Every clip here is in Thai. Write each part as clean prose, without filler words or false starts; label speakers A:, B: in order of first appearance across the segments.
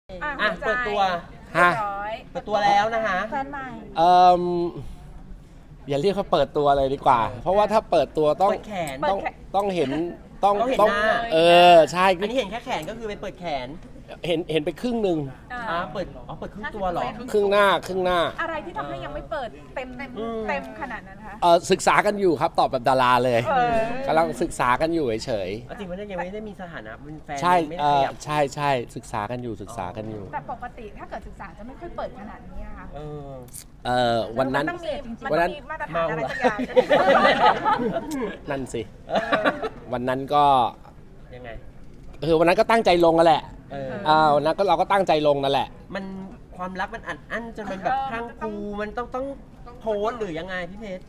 A: เปิดตัว
B: ฮะ
A: เปิดตัวแล้วนะคะ
C: แฟนใหม่
B: อย่าเรียกเขาเปิดตัวเลยดีกว่า เพราะว่าถ้าเปิดตัวต้อง
A: เปิดแขน
B: ต้องเห็นต้อง
A: ต้องเห็น
B: ต้อง
A: หน้า
B: ใช่
A: อันนี้เห็นแค่แขนก็คือไปเปิดแขน
B: เห็นไปครึ่งหนึ่ง
A: เปิดครึ่งตัวเหรอ
B: ครึ่งหน้า
C: อะไรที่ทำให้ยังไม่เปิดเต็มขนาดนั้นคะ
B: ศึกษากันอยู่ครับตอบแบบดาราเลย
C: เออ
B: กำลังศึกษากันอยู่เฉย
A: จริงๆมันยังไม่ได้มีสถานะเป็นแฟน
B: ๆใช่
A: ไม่ได้ขยับ
B: ใช่ศึกษากันอยู่
C: แต่ปกติถ้าเกิดศึกษาจะไม่ค่อยเปิดขนาดนี้อะค่ะ
B: วันนั้น
C: มัต้องมีมัน
B: วันนั้
C: ต้อน งมีมาตรฐานอะไรสักอย่าง
B: นั่นสิ วันนั้นก็
A: ยังไง
B: วันนั้นก็ตั้งใจลงกันแหละ วันนั้นก็เราก็ตั้งใจลงนั่นแหละ
A: มันความรักมันอัดอั้นจนมันแบบพรังพรูมันต้องโพสต์หรือยังไงพี่เพชร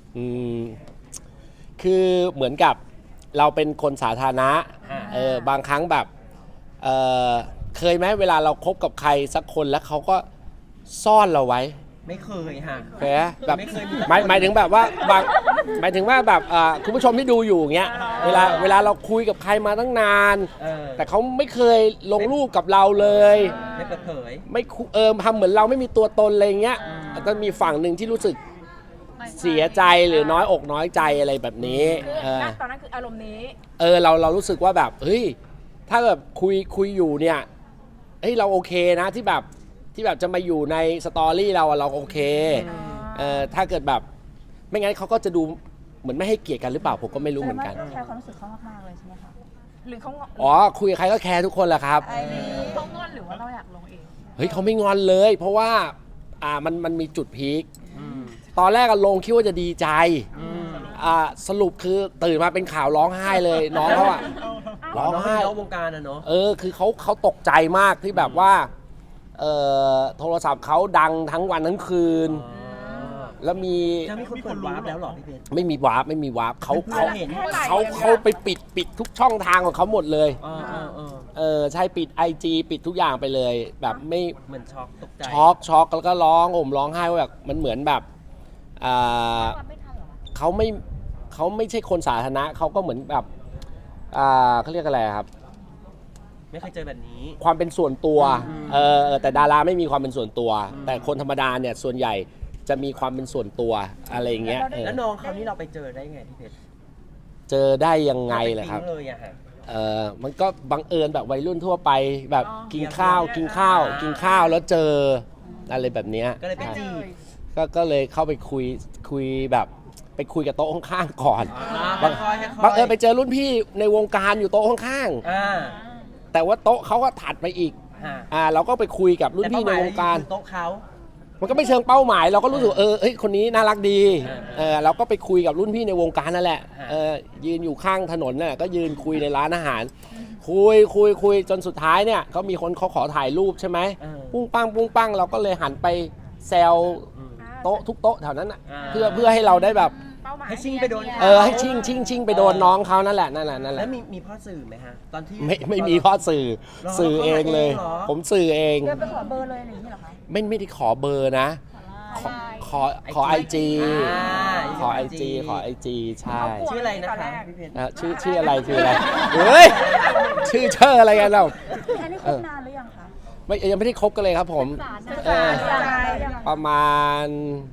B: คือเหมือนกับเราเป็นคนสาธารณะบางครั้งแบบเคยไหมเวลาเราคบกับใครสักคนแล้วเขาก็ซ่อนเราไว้
A: ไม่เคยค่ะ
B: เคยไหมแบบ
A: ไม่เคยมี
B: หมายถึงแบบว่าหมายถึงว่าแบบคุณผู้ชมที่ดูอยู่อย่างเงี้ยเวลาเราคุยกับใครมาตั้งนาน แต่เขาไม่เคยลงรูปกับเราเลย
A: ไม่เปิดเผย
B: ไม่ทำเหมือนเราไม่มีตัวตนอะไรเงี้ยก็มีฝั่งหนึ่งที่รู้สึกเสียใจหรือน้อยอกน้อยใจอะไรแบบนี้
C: ตอนนั้นคืออารมณ์นี้
B: เรารู้สึกว่าแบบเฮ้ยถ้าแบบคุยอยู่เนี่ยเฮ้ยเราโอเคนะที่แบบจะมาอยู่ในสตอรี่เราโอเคถ้าเกิดแบบไม่งั้นเขาก็จะดูเหมือนไม่ให้เกียรติกันหรือเปล่าผมก็ไม่รู้เหมือนกัน
C: แต่ว่าแคร์ความรู้สึกเขามากๆเลยใช่ไหมคะหรือเขา
B: คุยกับใครก็แคร์ทุกคนแหละครับ
C: เขางอนหรือว่าเราอยากลงเอง
B: เฮ้ยเขาไม่งอนเลย เพราะว่ามันมีจุดพีคตอนแรกลงคิดว่าจะดีใจสรุปคือตื่นมาเป็นข่าวร้องไห้เลยน้องเขาร้องไห้
A: น้องวงการอะเนาะ
B: คือเขาตกใจมากที่แบบว่าโทรศัพท์เขาดังทั้งวันทั้งคืนแล้วมี
A: จะมีคนเปิดวาร์ปแล้วเหรอพี่เพชร
B: ไม่มีวาร์ปเขา
A: เห็น
B: เขาไปปิดทุกช่องทางของเขาหมดเลยใช่ปิด IG ปิดทุกอย่างไปเลยแบบไม่
A: เหมือนช็อกตกใจ
B: ช็อกแล้วก็ร้องไห้ว่าแบบมันเหมือนแบบเขาไม่ใช่คนสาธารณะเขาก็เหมือนแบบเขาเรียกอะไรครับ
A: ไม่เคยเจอแบบนี้
B: ความเป็นส่วนตัวแต่ดาราไม่มีความเป็นส่วนตัว แต่คนธรรมดาเนี่ยส่วนใหญ่จะมีความเป็นส่วนตัวอะไรอย่างเงี้ย
A: แล้วน้องเขานี่เราไปเจอได้ไงพี่เพชร
B: เจอได้ยังไงล่ะครับมันก็บังเอิญแบบวัยรุ่นทั่วไปแบบกินข้าวแล้วเจออะไรแบบเนี้ย
A: ก็เลยไปจีบ
B: ก็เลยเข้าไปคุยแบบไปคุยกับโต๊ะข้างๆก่อนบังเอิญไปเจอรุ่นพี่ในวงการอยู่โต๊ะข้างๆแต่ว่าโต๊ะเขาก็ถัดไปอีกเราก็ไปคุยกับรุ่นพี่ในวงการ
A: โต๊ะเขา
B: มันก็ไม่เชิงเป้าหมายเราก็รู้สึกเฮ้ยคนนี้น่ารักดีเราก็ไปคุยกับรุ่นพี่ในวงการนั่นแหละยืนอยู่ข้างถนนน่ะก็ยืนคุยในร้านอาหารคุยจนสุดท้ายเนี่ยเขามีคนเขาขอถ่ายรูปใช่ไหมปุ้งปังเราก็เลยหันไปแซวโต๊ะทุกโต๊ะแถวนั้นน่ะเพื่อให้เราได้แบบ
A: ให้ชิงไปโดน
B: ให้ชิงไปโดนน้องเขานั่นแหละ
A: แล้วมีพ่อสื่อไหมฮะตอนที่
B: ไม่มีพ่อสื่อเองเลยผมสื่อเอง
C: เดินไปขอเบอร์เลยอย่างนี้เหรอคะ
B: ไม่ได้ขอเบอร์นะขอ IG ขอ IG ใช่
A: ชื่ออะไรนะคะพี่เพชร
B: ชื่ออะไรเฮ้ยชื่ออะไรกันเรา
C: อันนี้คบนานหรือยังคะ
B: ยังไม่ได้คบกันเลยครับผมประมาณ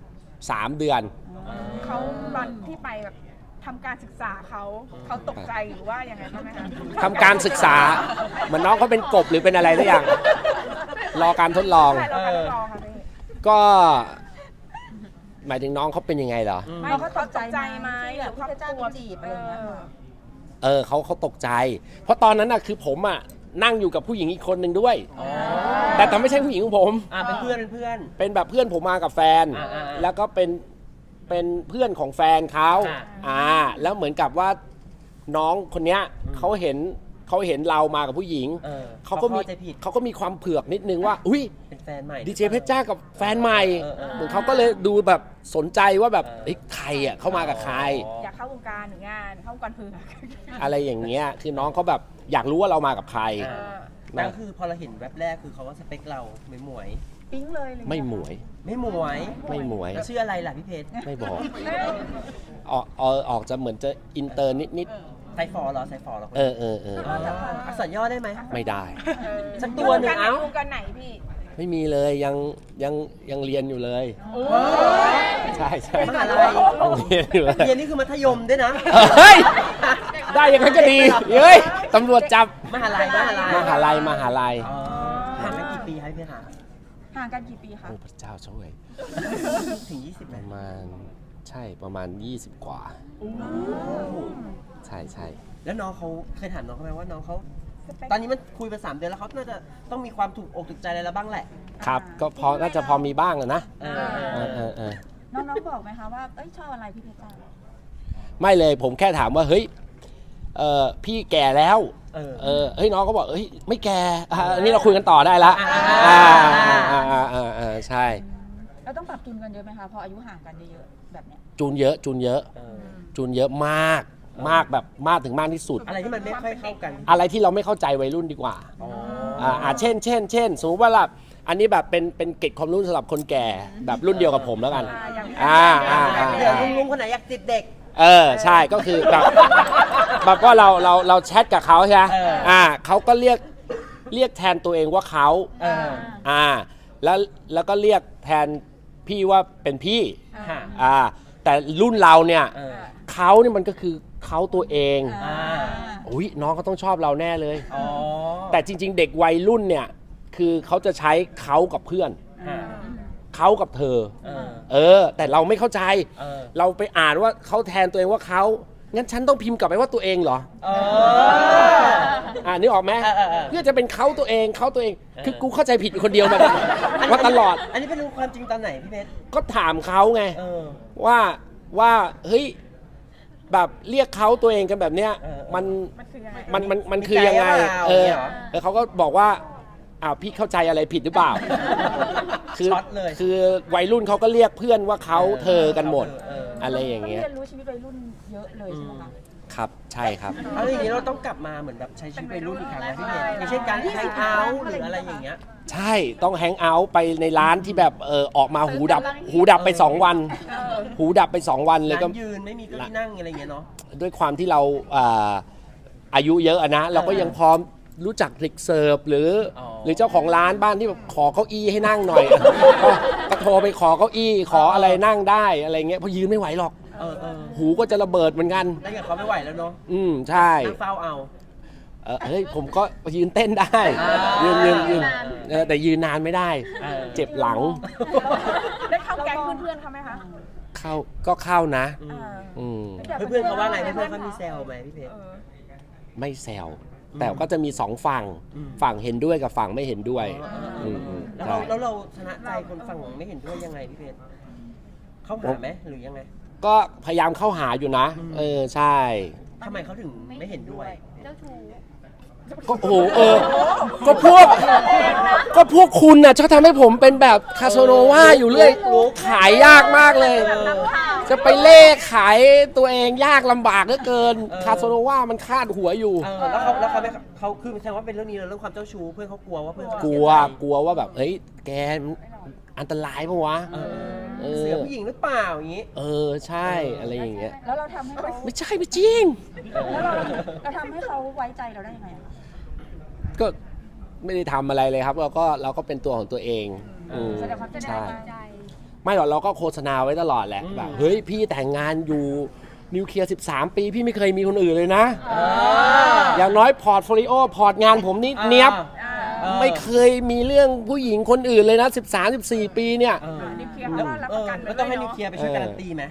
B: 3 เดือน
C: เขาตอนที่ไปแบบทำการศึกษาเขาตกใจหรือว่ายังไงบ้างไหมคะ
B: ทำการศึกษาเหมือนน้องเขาเป็นกบหรือเป็นอะไรสักอย่างรอการทดลองก็หมายถึงน้องเขาเป็นยังไงเหรอ
C: เขาตกใจไหมหรือเขากลัวจีบอะไรอย่างเงี้ย
B: เขาตกใจเพราะตอนนั้นน่ะคือผมนั่งอยู่กับผู้หญิงอีกคนหนึ่งด้วยแต่ไม่ใช่ผู้หญิงของผม
A: เป็นเพื่อน
B: เป็นแบบเพื่อนผมมากับแฟนแล้วก็เป็นเพื่อนของแฟนเขาแล้วเหมือนกับว่าน้องคนเนี้ยเขาเห็นเรามากับผู้หญิงเขาก็มีความเผือกนิดนึงว่าอุ้ย
A: เป็นแฟนใหม่
B: ดีเจเพชรจ้ากับแฟนใหม่เหมือนเขาก็เลยดูแบบสนใจว่าแบบใครเข้ามากับใคร
C: อยากเข้าวงการหรืองานเข้าวงการเผือก
B: อะไรอย่างเงี้ยคือน้องเขาแบบอยากรู้ว่าเรามากับใคร
A: นั่นคือพอเราเห็นแวบแรกคือเขาว่าสเปคเราไม่หมวย
C: ปิ๊งเลย
B: ไม่หมวย
A: ชื่ออะไรล่ะพี่เพชร
B: ไม่บอกออกจะเหมือนจะอินเตอร์นิด
A: ไซฟอร์เหรอไซฟอร์เหรอ
B: เออ
A: อักษรย่อได้ไหม
B: ไม่ได้
A: สักตัวหนึ่งเอ้า
C: วงการไหนพี่
B: ไม่มีเลยยังเรียนอยู่เลย ใช่ใช่
A: มหาลัย
B: ยังเรียนอยู่เลย
A: เรียนนี่คือมัธยมด้วยนะ
B: เฮ้ยได้อย่างนั้นก็ดีเฮ้ยตำรวจจับ
A: มหาลัย
B: มหาลัย
A: อ๋อห่างกันกี่ปีครับพี่คะ
C: ห่างกันกี่ปีคะ
B: โอ้พระเจ้าช่วย
A: ถึง 20
B: ป
A: ไหม
B: ระมาณใช่ประมาณ 20 กว่า ใช่
A: แล้วน้องเขาเคยถามน้องเขาไหมว่าน้องเขาตอนนี้มันคุยไป3 เดือนแล้วเขาน่าจะต้องมีความถูกอกถูกใจอะไรแล้วบ้างแหละ
B: ครับก็พอน่าจะพอมีบ้างอะนะ
A: เออ
C: น้องๆบอกไหมคะว่าเอ้ยชอบอะไรพี่เพชรจ้า
B: ไม่เลยผมแค่ถามว่าเฮ้ยพี่แก่แล้ว
A: เออ
B: เฮ้ยน้องก็บอกเฮ้ยไม่แก่อันนี้เราคุยกันต่อได้ละใช่
C: เราต้องปรับจูนกันเยอะไหมคะพออายุห่างกันเยอะๆแบบเนี้ย
B: จูนเยอะมากแบบมากถึงมากที่สุด
A: อะไรที่มันไม่ค่อยเข้ากัน
B: อะไรที่เราไม่เข้าใจวัยรุ่นดีกว่า เช่นสมมติว่าอันนี้แบบเป็นเกร็ดความรู้สำหรับคนแก่แบบรุ่นเดียวกับผมแล้วกัน
A: เดี๋ยวลุงคนไหนอยากติดเด็ก
B: ใช่ก็คือแบบว่าเราแชทกับเขาใช่ไหมเขาก็เรียกแทนตัวเองว่าเขาแล้วก็เรียกแทนพี่ว่าเป็นพี่แต่รุ่นเราเนี่ยเขาเนี่ยมันก็คือเขาตัวเองอุ้ยน้องเขาต้องชอบเราแน่เลยแต่จริงๆเด็กวัยรุ่นเนี่ยคือเขาจะใช้เขากับเพื่อนเขากับเธอแต่เราไม่เข้าใจเราไปอ่านว่าเขาแทนตัวเองว่าเขางั้นฉันต้องพิมพ์กลับไปว่าตัวเองเหรอนึกออกไหมเพื่อจะเป็นเขาตัวเองคือกูเข้าใจผิดอยู่คนเดียวมาตลอด
A: อันนี้เป็นรู้ความจริงตอนไหนพี่เพชร
B: ก็ถามเขาไงว่าเฮ้ยแบบเรียกเขาตัวเองกันแบบเนี้ยมันคือยังไงเขาก็บอกว่าพี่เข้าใจอะไรผิดหรือเปล่าคือวัยรุ่นเขาก็เรียกเพื่อนว่าเขาเธอกันหมดอะไรอย่างเงี้ย
C: เรียนรู้ชีวิตวัยรุ่นเยอะเลยใช่ไหมคะ
B: ครับใช่ครับ
A: เอาอย่างนี้เราต้องกลับมาเหมือนแบบใช้ชีวิตวัยรุ่นอีกครั้งนะพี่เพชรอย่างเช่นการแฮงเอาท์หรืออะไรอย่างเงี้ย
B: ใช่ต้องแฮงเอาท์ไปในร้านที่แบบออกมาหูดับไป2 วันหูดับไป2 วันเลยก็
A: ร้านยืนไม่มีเก้าอี้นั่งอะไรอย่างเงี้ยเนาะ
B: ด้วยความที่เราอายุเยอะนะเราก็ยังพร้อมรู้จักเด็กเสิร์ฟหรือเจ้าของร้านบ้านที่แบบขอเก้าอี้ให้นั่งหน่อย ก็โทรไปขอเก้าอี้ขออะไรนั่งได้อะไรเงี้ยเพราะยืนไม่ไหวหรอกหูก็จะระเบิดเหมือนกัน
A: ได้กับเขาไม่ไหวแล้วเนาะ
B: ใช่
A: นั่งเฝ้าเอา
B: เฮ้ยผมก็ยืนเต้นได้ยืนแต่ยืนนานไม่ได้เจ็บหลัง
C: ได้เข้าแก๊งเพื่อนๆเขาไหมคะ
B: เข้านะ
A: เพื่อนเขาว่าไงเพื่อนเขามีแซวไหมพี่เพชร
B: ไม่แซวแต่ก็จะมี2 ฝั่งเห็นด้วยกับฝั่งไม่เห็นด้วย
A: แล้วเราชนะใจคนฝั่งไม่เห็นด้วยยังไงพี่เพชรเข้าหาไหมหรือยังไง
B: ก็พยายามเข้าหาอยู่นะใช่
A: ทำไมเขาถึงไม่เห็นด้วย
C: เจ้าชู้
B: ก็โอ้โหก็พวกคุณน่ะชอบทำให้ผมเป็นแบบคาโซโนวาอยู่เรื่อยขายยากมากเลยจะไปเล่ขายตัวเองยากลำบากเหลือเกินคาโซโนวามันคาดหัวอยู่
A: แล้วเขาคือแสดงว่าเป็นเรื่องนี้เรื่องความเจ้าชู้เพื่อนเขากลัวว่าเพื่อน
B: กลัวว่าแบบเฮ้ยแกอันตรายปะวะ
A: เสือผู้หญิงหรือเปล่าอย่างงี้
B: ใช่อะไรอย่างเงี้ย
C: แล้วเราทำให้เขา
B: ไม่ใช่ไม่จริง
C: แล้วเราทำให้เขาไว้ใจเราได้ยังไง
B: ก็ไม่ได้ทำอะไรเลยครับเราก็เป็นตัวของตัวเอง
C: แสดงความใจ
B: ไม่หรอกเราก็โฆษณาไว้ตลอดแหละแบบเฮ้ยพี่แต่งงานอยู่นิวเคลียร์13 ปีพี่ไม่เคยมีคนอื่นเลยนะอย่างน้อยพอร์ตโฟลิโอพอร์ตงานผมนี่เนียบไม่เคยมีเรื่องผู้หญิงคนอื่นเลยนะ13-14 ปีเนี่ย
C: นิวเคลียร์เขารับประกัน
A: แล้วต้องให้นิวเคลียร์ไปช่วยการันตีไหม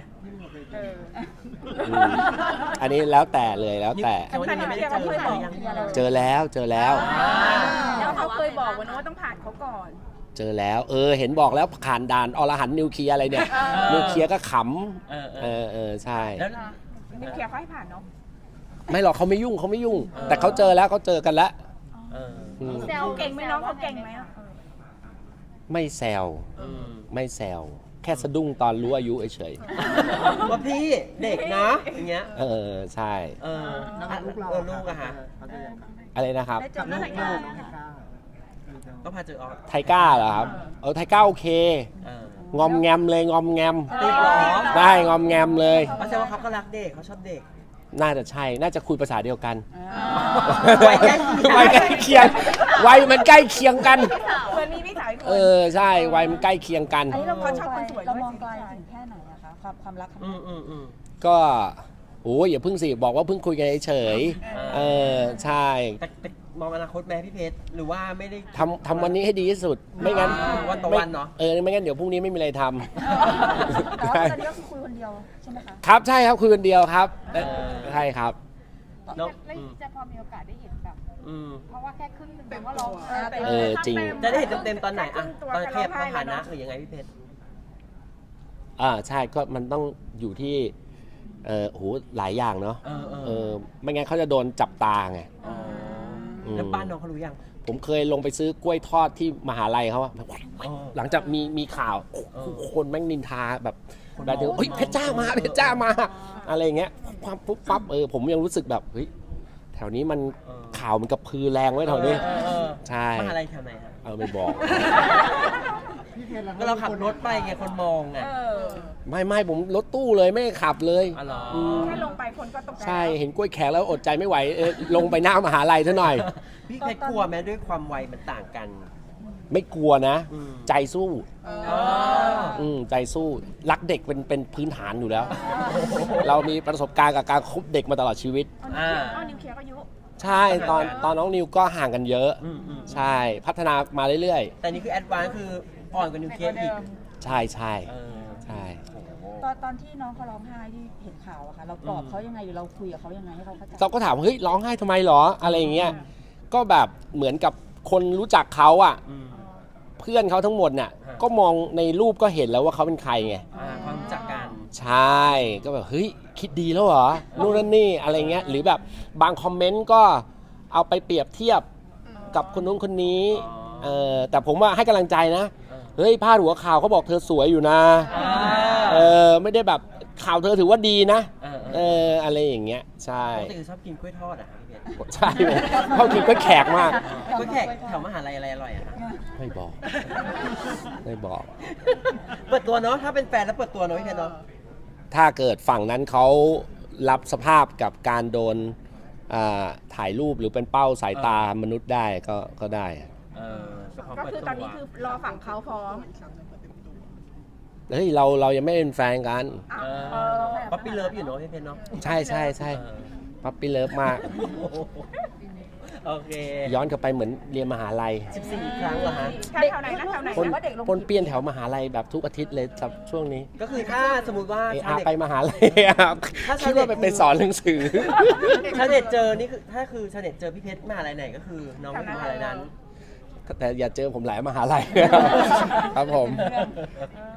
B: อันนี้แล้วแต่เลยแล้วแต่เจอแล้ว
C: แล้วเขาเคยบอกว่าต้องผ่านเขาก่อน
B: เจอแล้วเห็นบอกแล้วผ่านด่านอรหันต์นิวเคลียร์อะไรเนี่ยนิวเคลียร์ก็ขำใช่
C: แล้วนิวเคลียร์เขาให้ผ่านเนาะ
B: ไม่หรอกเขาไม่ยุ่งแต่เขาเจอแล้วเขาเจอกันแล้ว
C: แซวเก่งไหมน้องเขาเก่งไหม
B: ไม่แซวแค่สะดุ้งตอนรู้อายุเฉย
A: ว่าพี่เด็กนะอย่างเงี้ย
B: ใช่
A: ลูกอะฮะ
B: อะไรนะครับ
A: ลูกก็พาเจอ
B: ไทก้าเหรอครับไทก้าโอเคงอมแงมเลยงอมแงม
A: ติดหรอ
B: ได้งอมแงมเลย
A: แสดงว่าเขาก็รักเด็กเขาชอบเด็ก
B: น่าจะใช่น่าจะคุยภาษาเดียวกัน
A: วัยใกล้เคียง
B: วัยใกล้เคียงวัยมันใกล้เคียงกัน
C: เหมือนมีพี่สาวอีกคน
B: ใช่วัยมันใกล้เคียงกัน
C: อันนี้เราชอบคนสวย
D: เรา
C: ด้วย
D: มองไกลถึงแค่ไหนอะคะความรักครั้ง
A: อื
D: นี้
A: ม
B: ก็โอ้ยอย่าเพิ่งสิบอกว่าเพิ่งคุยกันเฉยใช่
A: แต่มองอนาคตแม่พี่เพชรหรือว่าไม่ได้
B: ทำวันนี้ให้ดีที่สุดไม่งั้น
A: วันต่อวันเนาะ
B: ไม่งั้นเดี๋ยวพรุ่งนี้ไม่มีอะไรท
D: แต่
B: ำ
D: ว่าตอนนี้ก็คือคุยคนเดียวใช่ไหมคะ
B: ครับใช่ครับคุยคนเดียวครับใช่ครับ
A: เนาะ
E: แล้วจะพอมีโอกาสได้เห็นแบบ
A: อืม
E: เพราะว่าแค่ครึ่งหนึงแต่ว่าเรา
B: จริง
A: จะได้เห็นเต็มๆตอนไหนอะตอนขยับสถานะหรือยังไงพี่เพชร
B: ใช่ก็มันต้องอยู่ที่โหหลายอย่างเนาะไม่งั้นเขาจะโดนจับตาไง
A: แล้วบ้านน้องเขารู้ยัง
B: ผมเคยลงไปซื้อกล้วยทอดที่มหาลัยเขาอะหลังจากมีข่าวคนแม่งนินทาแบบเดี๋ยวเฮ้ยเพชรจ้ามาเพชรจ้ามาอะไรอย่างเงี้ยความปุ๊บปั๊บผมยังรู้สึกแบบเฮ้ยแถวนี้มันข่าวมันกระพือแรงไว้แถวนี้ใช่
A: มหาลัยแถวไหนครับ
B: ไม่บอก
A: ก็เราขับรถไปไงคนมองไง
B: ไม่ผมรถตู้เลยไม่ขับเลย
A: อ๋อเหรอ
C: แค่ลงไปคนก็ตกใจ
B: ใช่เห็นกล้วยแขกแล้วอดใจไม่ไหวลงไปหน้ามหาลัยซะหน่อย
A: พี่เพชรกลัวไหมด้วยความวัยมันต่างกัน
B: ไม่กลัวนะ
A: อืม
B: ใจสู้
A: อ๋อ
B: ใจสู้รักเด็กเป็นพื้นฐานอยู่แล้ว เรามีประสบการณ์กับการคบเด็กมาตลอดชีวิต
C: เอานิวเคลียร์ก็ยุ
B: ใช่ตอนน้องนิวก็ห่างกันเยอะ
A: อืม
B: ใช่พัฒนามาเรื่อย
A: แต่นี่คือแอดวานซ์คืออ่อนกว่านิวเคลียร์อีก
B: ๆ ใช่ใช่
A: เออ
B: ใช่
D: ตอนที่น้องเขาร้องไห้ที่เห็นข่าวอะค่ะเราปลอบเขายังไงหรือเราคุยกับเขายังไงให้เขาเข้าใจ
B: เราก็ถามว่าเฮ้ยร้องไห้ทำไมหรออะไรอย่างเงี้ยก็แบบเหมือนกับคนรู้จักเขาอ่ะ
A: อืม
B: เพื่อนเขาทั้งหมดน่ะ
A: ฮะ
B: ก็มองในรูปก็เห็นแล้วว่าเขาเป็นใครไง
A: ความรู้จักกัน
B: ใช่ก็แบบเฮ้ยคิดดีแล้วเหรอนู่นนั่นนี่อะไรเงี้ยหรือแบบบางคอมเมนต์ก็เอาไปเปรียบเทียบกับคนนู้นคนนี้แต่ผมว่าให้กำลังใจนะเฮ้ยพาดหัวข่าวเขาบอกเธอสวยอยู่นะไม่ได้แบบข่าวเธอถือว่าดีนะอะไรอย่างเงี้ยใช่
A: ปกติคือชอบกินกล้วยทอดอ่ะพี่เพชร
B: ใช่ผมเขากินก็แขกมาก
A: กล้วยแขกแถวมหาลัยอะไรอร่อยอะคะ
B: ไม่บอกไม่บอก
A: เปิดตัวเนาะถ้าเป็นแฟนแล้วเปิดตัวเนาะพี่เพชรเนาะ
B: ถ้าเกิดฝั่งนั้นเขารับสภาพกับการโดนถ่ายรูปหรือเป็นเป้าสายตามนุษย์ได้ก็ได้
C: ก็คือตอนนี้คือรอฝั่งเขาพร้อม
B: เฮ้ยเรายังไม่เป็นแฟนกัน
A: ป๊อปปี้เลิฟอยู่เนาะพี่เพชรเนาะ
B: ใช่ปั๊ปปี้เลิฟมาก
A: โอเค
B: ย้อนกลับไปเหมือนเรียนมหาลัย
A: 14 ครั้งเหรอฮะ
C: แถวไหนนะแถวไหน
B: ปน
C: นะว่าเด็กลง
B: ปนเปี้ยนแถวมหาลัยแบบทุกอาทิตย์เลยครับช่วงนี้
A: ก็คือถ้าสมมติว่าชาว
B: ไป
A: เน็ต
B: มหาลัยคิดว่าไปสอนหนังสือ
A: ชาวเน็ตเจอนี่คือถ้าคือชาวเน็ตเจอพี่เพชรมหาลัยไหนก็คือน้องอยู่มหาลัยนั้น
B: แต่อย่าเจอผมหลายมหาลัยครับผม